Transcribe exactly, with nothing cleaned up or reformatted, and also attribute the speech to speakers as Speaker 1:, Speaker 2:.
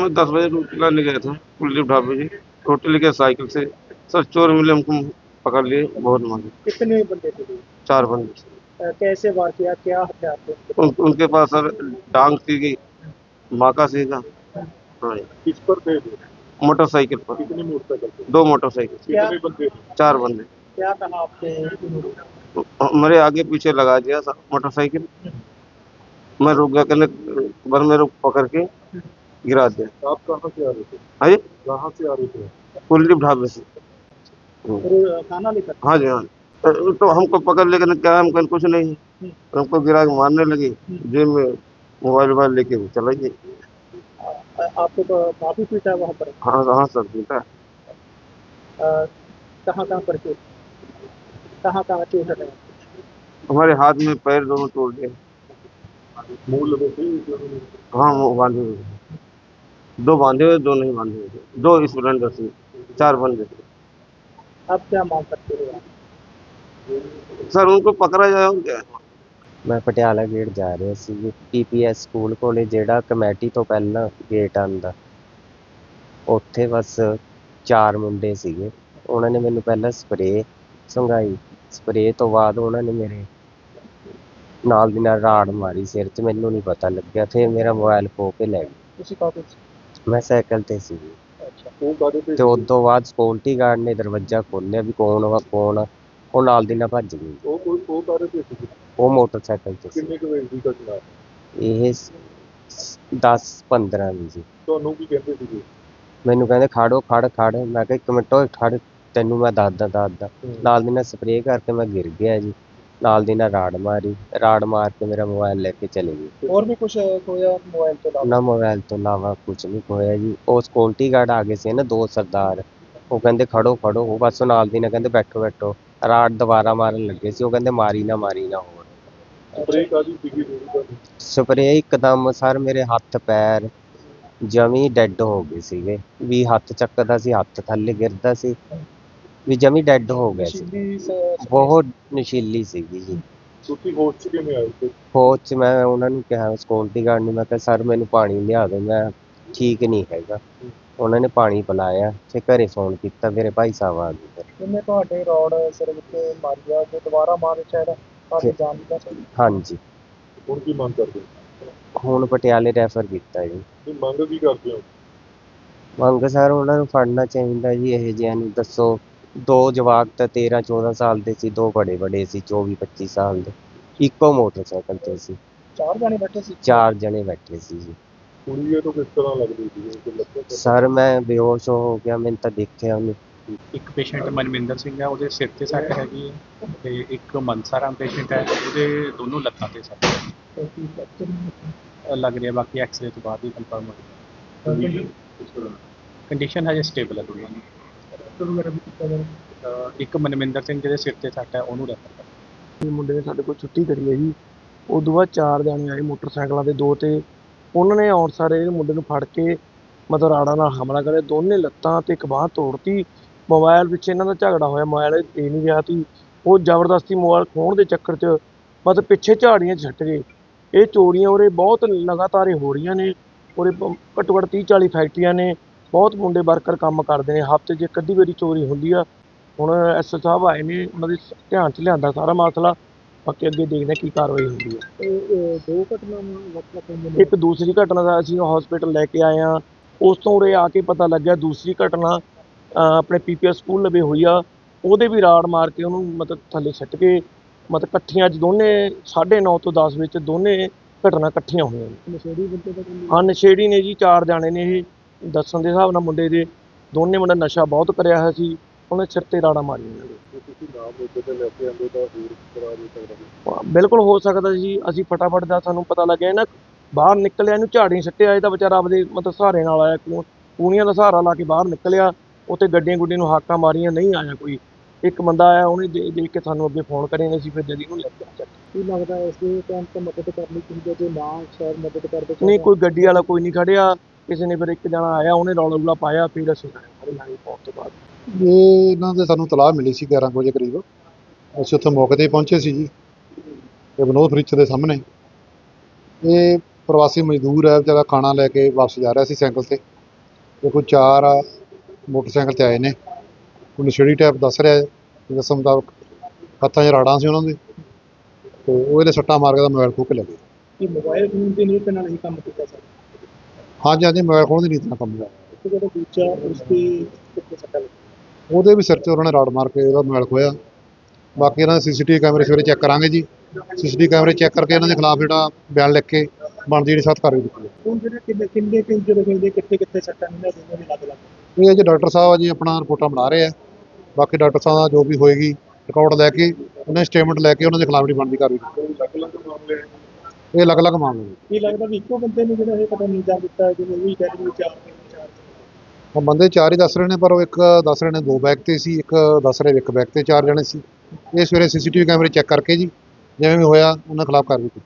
Speaker 1: मैं दस बजे रोटी लाने गया था कुलदीप ढाबे जी। रोटी लेके साइकिल से सर चोर मिले, हमको पकड़ लिए, बहुत मांगे।
Speaker 2: कितने बंदे थे ये?
Speaker 1: चार बंदे।
Speaker 2: अ, कैसे वार किया, क्या हथियार थे उनके
Speaker 1: उन,
Speaker 2: पास?
Speaker 1: उनके पास सर डांग सीगी, माका सीगा। हाँ जी।
Speaker 3: किस पर थे वो?
Speaker 1: मोटरसाइकिल पर।
Speaker 3: कितनी मोटरसाइकिल थे?
Speaker 1: दो मोटरसाइकिल।
Speaker 2: क्या
Speaker 3: कितने बंदे थे?
Speaker 1: चार बंदे।
Speaker 2: क्या कहा आपसे उन्होंने?
Speaker 1: मेरे आगे पीछे लगा दिया सर मोटरसाइकिल। मैं रुक गया, कहने बस मेरे को पकड़ के गिरा दिया।
Speaker 3: आप कहाँ से आ रहे थे?
Speaker 1: हाँ जी,
Speaker 3: कहाँ से आ रहे थे?
Speaker 1: कुलदीप ढाबे से।
Speaker 2: और खाना लेकर?
Speaker 1: हाँ जी, हाँ। तो तो हमको पकड़ लेकर क्या है, हम कहीं कुछ नहीं है। हमको गिरा के मारने लगी, जेब में मोबाइल वोबाइल लेके वो चला गई।
Speaker 2: अ, आपको तो काफी पीटा वहाँ पर?
Speaker 1: हाँ हाँ सर, पीटा।
Speaker 2: अ, कहाँ कहाँ पर चोट, कहाँ कहाँ चोट है?
Speaker 1: हमारे हाथ में पैर दोनों तोड़ दिए।
Speaker 3: मुंह लगे थे?
Speaker 1: हाँ, वो बांधे हुए थे। दो बांधे हुए, दो नहीं बांधे हुए थे। दो स्प्लेंडर थे, चार बंदे थे।
Speaker 2: आप क्या मांग करते हो आप?
Speaker 1: सर उनको पकड़ा जाए और क्या।
Speaker 4: ਮੈਂ ਪਟਿਆਲਾ ਗੇਟ ਜਾ ਰਿਹਾ ਸੀ। ਪੀਪੀਐਸ ਸਕੂਲ ਕੋਲੇ ਜਿਹੜਾ ਕਮੇਟੀ ਤੋਂ ਪਹਿਲਾਂ ਗੇਟ ਆਉਂਦਾ, ਉੱਥੇ ਬਸ ਚਾਰ ਮੁੰਡੇ ਸੀਗੇ। ਉਹਨਾਂ ਨੇ ਮੈਨੂੰ ਪਹਿਲਾਂ ਸਪਰੇਅ ਸੰਘਾਈ, ਸਪਰੇਅ ਤੋਂ ਬਾਅਦ ਉਹਨਾਂ ਨੇ ਮੇਰੇ ਨਾਲ ਦੀ ਨਾਲ ਰਾੜ ਮਾਰੀ ਸਿਰ 'ਚ। ਮੈਨੂੰ ਨਹੀਂ ਪਤਾ ਲੱਗਿਆ, ਫਿਰ ਮੇਰਾ ਮੋਬਾਈਲ ਖੋਹ ਕੇ ਲੈ ਗਏ।
Speaker 2: ਤੁਸੀਂ ਕਾਹਦੇ ਸੀ?
Speaker 4: ਮੈਂ ਸਾਈਕਲ ਤੇ ਸੀ
Speaker 2: ਅੱਛਾ,
Speaker 3: ਉਹ ਕਾਹਦੇ ਤੇ
Speaker 4: ਤੇ ਉਸ ਤੋਂ ਬਾਅਦ ਸਕਿਉਰਟੀ ਗਾਰਡ ਨੇ ਦਰਵਾਜ਼ਾ ਖੋਲ੍ਹਿਆ ਵੀ ਕੌਣ ਵਾ ਕੌਣ ਆ। ਉਹ ਨਾਲ ਦੀ ਨਾਲ ਭੱਜ ਗਈ।
Speaker 3: ਉਹ ਕੋਈ ਉਹ ਕਾਹਦੇ ਤੇ ਸੀ?
Speaker 4: ਉਹ ਮੋਟਰਸਾਈਕਲ ਤੇ ਸੀ।
Speaker 3: ਕਿੰਨੇ ਕੁ ਵਜੇ ਦੀ ਘਟਨਾ?
Speaker 4: ਇਹ ਦਸ ਪੰਦਰਾਂ ਦੀ ਸੀ।
Speaker 3: ਤੁਹਾਨੂੰ ਕੀ ਕਹਿੰਦੇ ਸੀਗੇ?
Speaker 4: ਮੈਨੂੰ ਕਹਿੰਦੇ ਖੜੋ ਖੜ ਖੜ ਮੈਂ ਕਿਹਾ ਇੱਕ ਮਿੰਟ ਓਏ ਖੜ, ਤੈਨੂੰ ਮੈਂ ਦੱਸਦਾ ਦੱਸਦਾ। ਨਾਲ ਦੀ ਨਾਲ ਸਪਰੇਅ ਕਰਕੇ ਮੈਂ ਗਿਰ ਗਿਆ ਜੀ। ਨਾਲ ਦੀ ਨਾਲ ਰਾੜ ਮਾਰੀ, ਰਾੜ ਮਾਰ ਕੇ ਮੇਰਾ ਮੋਬਾਈਲ ਲੈ ਕੇ ਚਲੇ ਗਏ।
Speaker 2: ਹੋਰ ਵੀ ਕੁਝ ਹੋਇਆ ਮੋਬਾਈਲ ਤੋਂ ਇਲਾਵਾ?
Speaker 4: ਨਾ ਮੋਬਾਈਲ ਤੋਂ ਇਲਾਵਾ ਕੁਝ ਨਹੀਂ ਹੋਇਆ ਜੀ। ਉਹ ਸਕਿਉਰਟੀ ਗਾਰਡ ਆ ਗਏ ਸੀ ਨਾ, ਦੋ ਸਰਦਾਰ। ਉਹ ਕਹਿੰਦੇ ਖੜੋ ਖੜੋ, ਉਹ ਬਸ ਨਾਲ ਦੀ ਨਾਲ ਕਹਿੰਦੇ ਬੈਠੋ ਬੈਠੋ। ਰਾੜ ਦੁਬਾਰਾ ਮਾਰਨ ਲੱਗੇ ਸੀ, ਉਹ ਕਹਿੰਦੇ ਮਾਰੀ ਨਾ ਮਾਰੀ ਨਾ ਹੋਰ।
Speaker 3: ਸਪਰੇਅ ਕਾਹਦੀ ਸੀਗੀ ਜਿਹੜੀ ਤੁਹਾਨੂੰ?
Speaker 4: ਸਪਰੇਅ ਇੱਕਦਮ ਸਰ ਮੇਰੇ ਹੱਥ ਪੈਰ ਜਮੀ ਡੈੱਡ ਹੋ ਗਏ ਸੀਗੇ। ਵੀ ਹੱਥ ਚੱਕਦਾ ਸੀ, ਹੱਥ ਥੱਲੇ ਗਿਰਦਾ ਸੀ, ਵੀ ਜਮੀ ਡੈੱਡ ਹੋ ਗਿਆ ਸੀ।
Speaker 2: ਨਸ਼ੀਲੀ ਸ-
Speaker 4: ਬਹੁਤ ਨਸ਼ੀਲੀ ਸੀਗੀ ਜੀ।
Speaker 3: ਤੁਸੀਂ ਹੋਸ਼ 'ਚ ਕਿਵੇਂ ਆਏ ਸੀ?
Speaker 4: ਫੌਜ 'ਚ ਮੈਂ ਉਹਨਾਂ ਨੂੰ ਕਿਹਾ, ਸਕਿਉਰਟੀ ਗਾਰਡ ਨੂੰ, ਮੈਂ ਕਿਹਾ ਸਰ ਮੈਨੂੰ ਪਾਣੀ ਲਿਆ ਦਿਓ, ਮੈਂ ਠੀਕ ਨਹੀਂ ਹੈਗਾ। ਉਹਨਾਂ ਨੇ ਪਾਣੀ ਪਿਲਾਇਆ, ਫਿਰ ਘਰੇ ਫੋਨ ਕੀਤਾ, ਮੇਰੇ ਭਾਈ ਸਾਹਿਬ ਆ ਗਏ।
Speaker 2: ਇਹਨੇ ਤੁਹਾਡੇ ਰੋਡ ਸਿਰ ਵਿੱਚ ਮਾਰਿਆ, ਜੇ ਦੁਬਾਰਾ ਮਾਰੇ ਸ਼ਾਇਦ ਤੁਹਾਡੀ ਜਾਨ ਵੀ ਬਚ ਸਕਦੀ।
Speaker 4: ਹਾਂਜੀ,
Speaker 3: ਹੁਣ ਕੀ ਮੰਗ ਕਰਦੇ ਹੋ?
Speaker 4: ਹੁਣ ਪਟਿਆਲੇ ਰੈਫਰ ਕੀਤਾ ਜੀ।
Speaker 3: ਤੁਸੀਂ ਮੰਗ ਕੀ ਕਰਦੇ ਹੋ?
Speaker 4: ਮੰਗ ਸਰ ਉਹਨਾਂ ਨੂੰ ਫੜਨਾ ਚਾਹੀਦਾ ਜੀ ਇਹੋ ਜਿਹਿਆਂ ਨੂੰ। ਦੱਸੋ, ਦੋ ਜਵਾਕ ਤਾਂ ਤੇਰਾਂ ਚੌਦਾਂ ਸਾਲ ਦੇ ਸੀ, ਦੋ ਬੜੇ ਬੜੇ ਸੀ ਚੌਵੀ ਪੱਚੀ ਸਾਲ ਦੇ। ਇੱਕੋ ਮੋਟਰਸਾਈਕਲ ਤੇ ਸੀ,
Speaker 2: ਚਾਰ ਜਾਣੇ ਬੈਠੇ ਸੀ?
Speaker 4: ਚਾਰ ਜਣੇ ਬੈਠੇ ਸੀ ਜੀ।
Speaker 3: ਕੁੜੀ ਇਹ ਤੋਂ ਕਿਸ ਤਰ੍ਹਾਂ ਲੱਗਦੀ ਸੀ? ਕੋਈ ਲੱਗਦਾ ਸੀ?
Speaker 4: ਸਰ ਮੈਂ ਬੇਹੋਸ਼ ਹੋ ਗਿਆ, ਮੈਨੂੰ ਤਾਂ ਦੇਖਿਆ ਉਹਨੇ।
Speaker 5: ਇੱਕ ਪੇਸ਼ੈਂਟ ਮਨਵਿੰਦਰ ਸਿੰਘ ਹੈ, ਉਹਦੇ ਸਿਰ 'ਤੇ ਸੱਟ ਹੈਗੀ ਹੈ, ਤੇ ਇੱਕ ਮਨਸਾ ਪੇਸ਼ੈਂਟ ਹੈ, ਉਹਦੇ ਦੋਨੋਂ ਲੱਤਾਂ 'ਤੇ ਸੱਟ ਹੈ। ਅ, ਲੱਗ ਰਿਹਾ, ਬਾਕੀ ਐਕਸਰੇ ਤੋਂ ਬਾਅਦ ਹੀ ਕਨਫਰਮ ਹੋਵੇਗਾ। ਕੰਡੀਸ਼ਨ ਹਜੇ ਸਟੇਬਲ ਹੈ ਦੋਨਾਂ ਦੀ। ਅ, ਇੱਕ ਮਨਵਿੰਦਰ ਸਿੰਘ ਜਿਹਦੇ ਸਿਰ 'ਤੇ ਸੱਟ ਹੈ, ਉਹਨੂੰ ਰੈਫਰ ਕਰ।
Speaker 6: ਇਹ ਮੁੰਡੇ ਨੇ ਸਾਡੇ ਕੋਲ ਛੁੱਟੀ ਕਰੀ ਹੈ ਜੀ। ਉਦੋਂ ਬਾਅਦ ਚਾਰ ਜਾਣੇ ਆਏ ਮੋਟਰਸਾਈਕਲਾਂ ਦੇ ਦੋ, ਤੇ ਉਹਨਾਂ ਨੇ ਆਉਣ ਸਾਰੇ ਇਹ ਮੁੰਡੇ ਨੂੰ ਫੜ ਕੇ ਮਤਲਬ ਰਾੜਾਂ ਨਾਲ ਹਮਲਾ ਕਰਿਆ। ਦੋਨੇ ਲੱਤਾਂ ਤੇ ਇੱਕ ਬਾਂਹ ਤੋੜਤੀ। ਮੋਬਾਈਲ ਪਿੱਛੇ ਇਹਨਾਂ ਦਾ ਝਗੜਾ ਹੋਇਆ, ਮੋਬਾਈਲ ਦੇ ਨਹੀਂ ਗਿਆ ਸੀ। ਉਹ ਜ਼ਬਰਦਸਤੀ ਮੋਬਾਈਲ ਖੋਹਣ ਦੇ ਚੱਕਰ 'ਚ ਮਤਲਬ ਪਿੱਛੇ ਝਾੜੀਆਂ 'ਚ ਛੱਟ ਗਏ। ਇਹ ਚੋਰੀਆਂ ਉਰੇ ਬਹੁਤ ਲਗਾਤਾਰ ਹੋ ਰਹੀਆਂ ਨੇ। ਉਰੇ ਪ- ਘੱਟੋ ਘੱਟ ਤੀਹ ਚਾਲੀ ਫੈਕਟਰੀਆਂ ਨੇ, ਬਹੁਤ ਮੁੰਡੇ ਵਰਕਰ ਕੰਮ ਕਰਦੇ ਨੇ। ਹਫ਼ਤੇ 'ਚ ਇੱਕ ਅੱਧੀ ਵਾਰੀ ਚੋਰੀ ਹੁੰਦੀ ਆ। ਹੁਣ ਐਸ ਓ ਸਾਹਿਬ ਆਏ ਨੇ, ਉਹਨਾਂ ਦੇ ਧਿਆਨ 'ਚ ਲਿਆਂਦਾ ਸਾਰਾ ਮਸਲਾ। ਬਾਕੀ ਅੱਗੇ ਦੇਖਦੇ ਹਾਂ ਕੀ ਕਾਰਵਾਈ ਹੁੰਦੀ ਹੈ।
Speaker 2: ਇਹ ਦੋ ਘਟਨਾਵਾਂ ਵਾਪਰ ਪਈਆਂ ਨੇ।
Speaker 6: ਇੱਕ ਦੂਸਰੀ ਘਟਨਾ ਦਾ ਅਸੀਂ ਹਸਪੀਟਲ ਲੈ ਕੇ ਆਏ ਹਾਂ। ਉਸ ਤੋਂ ਉਰੇ ਆ ਕੇ ਪਤਾ ਲੱਗਿਆ ਦੂਸਰੀ ਘਟਨਾ ਅ, ਆਪਣੇ ਪੀਪੀਐਸ ਸਕੂਲ ਲਵੇ ਹੋਈ ਆ। ਉਹਦੇ ਵੀ ਰਾੜ ਮਾਰ ਕੇ ਉਹਨੂੰ ਮਤਲਬ ਥੱਲੇ ਸੁੱਟ ਕੇ ਮਤਲਬ ਇਕੱਠੀਆਂ ਅੱਜ ਦੋਨੇ ਸਾਢੇ ਨੌ ਤੋਂ ਦਸ ਵਿੱਚ ਦੋਨੇ ਘਟਨਾ ਇਕੱਠੀਆਂ ਹੋਈਆਂ ਨੇ।
Speaker 2: ਨਸ਼ੇੜੀ ਬੰਦੇ ਦਾ ਕੰਮ?
Speaker 6: ਹਾਂ, ਨਸ਼ੇੜੀ ਨੇ ਜੀ, ਚਾਰ ਜਾਣੇ ਨੇ ਇਹ ਦੱਸਣ ਦੇ ਹਿਸਾਬ ਨਾਲ ਮੁੰਡੇ ਦੇ। ਦੋਨੇ ਮੁੰਡੇ ਨਸ਼ਾ ਬਹੁਤ ਕਰਿਆ ਹੋਇਆ ਸੀ, ਉਹਨੇ ਸਿਰ 'ਤੇ ਰਾੜਾਂ ਮਾਰੀਆਂ ਨੇ।
Speaker 3: ਜੇ ਤੁਸੀਂ ਨਾਮ ਮੌਕੇ ਤੇ ਲੈ ਕੇ ਆਉਂਦੇ ਤਾਂ ਹੋਰ ਕਰਾ ਦੇ ਸਕਦਾ ਸੀ।
Speaker 6: ਬਿਲਕੁਲ ਹੋ ਸਕਦਾ ਜੀ। ਅਸੀਂ ਫਟਾਫਟ ਦਾ ਸਾਨੂੰ ਪਤਾ ਲੱਗਿਆ ਨਾ, ਬਾਹਰ ਨਿਕਲਿਆ, ਇਹਨੂੰ ਝਾੜੀ ਸੱਟਿਆ। ਇਹ ਤਾਂ ਵਿਚਾਰਾ ਆਪਦੇ ਮਤਲਬ ਸਹਾਰੇ ਨਾਲ ਆਇਆ, ਕੂ- ਕੂਣੀਆਂ ਦਾ ਸਹਾਰਾ ਲਾ ਕੇ ਬਾਹਰ ਨਿਕਲਿਆ। ਉੱਥੇ ਗੱਡੀਆਂ ਗੁੱਡੀਆਂ ਨੂੰ ਹਾਕਾਂ ਮਾਰੀਆਂ, ਨਹੀਂ ਆਇਆ ਕੋਈ। ਇੱਕ ਬੰਦਾ ਆਇਆ, ਉਹਨੇ ਦੇ- ਦੇਖ ਕੇ ਸਾਨੂੰ ਅੱਗੇ ਫੋਨ ਕਰੇ, ਅਸੀਂ ਫਿਰ ਜਦੀ ਉਹਨੂੰ ਲੈ ਕੇ ਚੱਕ।
Speaker 2: ਕੀ ਲੱਗਦਾ ਇਸ ਦੇ ਟਾਈਮ ਤੇ ਮਦਦ ਕਰਨੀ ਚਾਹੀਦੀ ਹੈ, ਜੇ ਨਾ ਸ਼ਾਇਦ ਮਦਦ ਕਰਦੇ ਤਾਂ?
Speaker 6: ਨਹੀਂ, ਕੋਈ ਗੱਡੀ ਵਾਲਾ ਕੋਈ ਨਹੀਂ ਖੜਿਆ। ਕਿਸੇ ਨੇ ਫਿਰ ਇੱਕ ਜਣਾ ਆਇਆ, ਉਹਨੇ ਰੌਲਾ ਰੂਲਾ ਪਾਇਆ, ਫਿਰ ਅਸੀਂ ਆਏ ਲਾਈ ਪਾਉਣ ਤੋਂ ਬਾਅਦ।
Speaker 7: ਇਹ ਇਹਨਾਂ ਦੇ ਸਾਨੂੰ ਤਲਾਹ ਮਿਲੀ ਸੀ ਗਿਆਰਾਂ ਕੁ ਵਜੇ ਕਰੀਬ। ਅਸੀਂ ਉੱਥੇ ਮੌਕੇ 'ਤੇ ਪਹੁੰਚੇ ਸੀ ਜੀ। ਇਹ ਵਿਨੋਦ ਫਰਿੱਜ ਦੇ ਸਾਹਮਣੇ ਇਹ ਪ੍ਰਵਾਸੀ ਮਜ਼ਦੂਰ ਹੈ, ਵਿਚਾਰਾ ਖਾਣਾ ਲੈ ਕੇ ਵਾਪਸ ਜਾ ਰਿਹਾ ਸੀ ਸਾਈਕਲ 'ਤੇ। ਤੇ ਕੋਈ ਚਾਰ ਮੋਟਰਸਾਈਕਲ 'ਤੇ ਆਏ ਨੇ, ਕੋਈ ਨਸ਼ੇੜੀ ਟਾਈਪ ਦੱਸ ਰਿਹਾ ਹੈ ਦੱਸਣ ਮੁਤਾਬਕ। ਹੱਥਾਂ 'ਚ ਰਾੜਾਂ ਸੀ ਉਹਨਾਂ ਦੇ, ਤੇ ਉਹ ਇਹਦੇ ਸੱਟਾਂ ਮਾਰ ਕੇ ਉਹਦਾ ਮੋਬਾਈਲ ਖੋਹ ਕੇ ਲੈ ਗਏ।
Speaker 2: ਇਹ ਮੋਬਾਈਲ ਫੋਨ ਦੀ ਨੀਤ ਨਾਲ ਹੀ ਕੰਮ ਕੀਤਾ ਸਰ।
Speaker 7: ਹਾਂਜੀ ਹਾਂਜੀ, ਮੋਬਾਈਲ ਖੋਹਣ ਦੀ ਨੀਤ ਨਾਲ ਕੰਮ ਹੋਇਆ।
Speaker 2: ਤੇ ਜਿਹੜਾ ਦੂਜਾ ਉਸ ਦੀ ਕਿੱਥੇ ਸੱਟਾਂ ਲੱਗੀਆਂ?
Speaker 7: ਉਹਦੇ ਵੀ ਸਿਰ 'ਚ ਉਹਨਾਂ ਨੇ ਰਾੜ ਮਾਰ ਕੇ ਉਹਦਾ ਮੋਬਾਈਲ ਖੋਇਆ। ਬਾਕੀ ਇਹਨਾਂ ਦੇ ਸੀਸੀਟੀਵੀ ਕੈਮਰੇ ਸਵੇਰੇ ਚੈੱਕ ਕਰਾਂਗੇ ਜੀ। ਸੀਸੀਟੀਵੀ ਕੈਮਰੇ ਚੈੱਕ ਕਰਕੇ ਇਹਨਾਂ ਦੇ ਖਿਲਾਫ ਜਿਹੜਾ ਬਿਆਨ ਲਿਖ ਕੇ ਬਣਦੀ ਜਿਹੜੀ ਸਖਤ ਕਾਰਵਾਈ ਕੀਤੀ ਹੈ।
Speaker 2: ਹੁਣ ਜਿਹੜੇ ਕਿੰਨੇ ਕਿੰਨੇ ਕਿ ਜਿਹੜੇ ਕਹਿੰਦੇ ਕਿੱਥੇ ਕਿੱਥੇ ਸੱਟਾਂ ਨੇ ਦੋਨੋਂ ਦੇ ਲੱਗ ਲੱਗ
Speaker 7: ਇਹ ਜੀ ਡਾਕਟਰ ਸਾਹਿਬ ਆ ਜੀ ਆਪਣਾ ਰਿਪੋਰਟਾਂ ਬਣਾ ਰਹੇ ਆ। ਬਾਕੀ ਡਾਕਟਰ ਸਾਹਿਬ ਦਾ ਜੋ ਵੀ ਹੋਏਗੀ ਰਿਕਾਰਡ ਲੈ ਕੇ ਉਹਨਾਂ ਦੀ ਸਟੇਟਮੈਂਟ ਲੈ ਕੇ ਉਹਨਾਂ ਦੇ ਖਿਲਾਫ ਜਿਹੜੀ ਬਣਦੀ ਕਾਰਵਾਈ ਕੀਤੀ। ਇਹ ਅਲੱਗ-ਅਲੱਗ ਮਾਮਲੇ ਨੇ।
Speaker 2: ਇਹ ਲੱਗਦਾ ਵੀ ਇੱਕੋ ਬੰਦੇ ਨੂੰ ਜਿਹੜਾ ਇਹ ਪਤਾ ਨਹੀਂ ਜਾਂ ਦਿੱਤਾ ਜਿਵੇਂ ਉਹ ਵੀ ਕਹਿ ਰਹੇ ਵੀ ਚਾਰ ਤਿੰਨ ਚਾਰ
Speaker 7: ਉਹ ਬੰਦੇ ਚਾਰ ਹੀ ਦੱਸ ਰਹੇ ਨੇ, ਪਰ ਉਹ ਇੱਕ ਦੱਸ ਰਹੇ ਨੇ ਦੋ ਬੈਗ ਤੇ ਸੀ, ਇੱਕ ਦੱਸ ਰਹੇ ਇੱਕ ਬੈਗ ਤੇ ਚਾਰ ਜਣੇ ਸੀ। ਇਹ ਸਵੇਰੇ ਸੀਸੀਟੀਵੀ ਕੈਮਰੇ ਚੈੱਕ ਕਰਕੇ ਜੀ ਜਿਵੇਂ ਵੀ ਹੋਇਆ ਉਹਨਾਂ ਖਿਲਾਫ ਕਾਰਵਾਈ ਕੀਤੀ।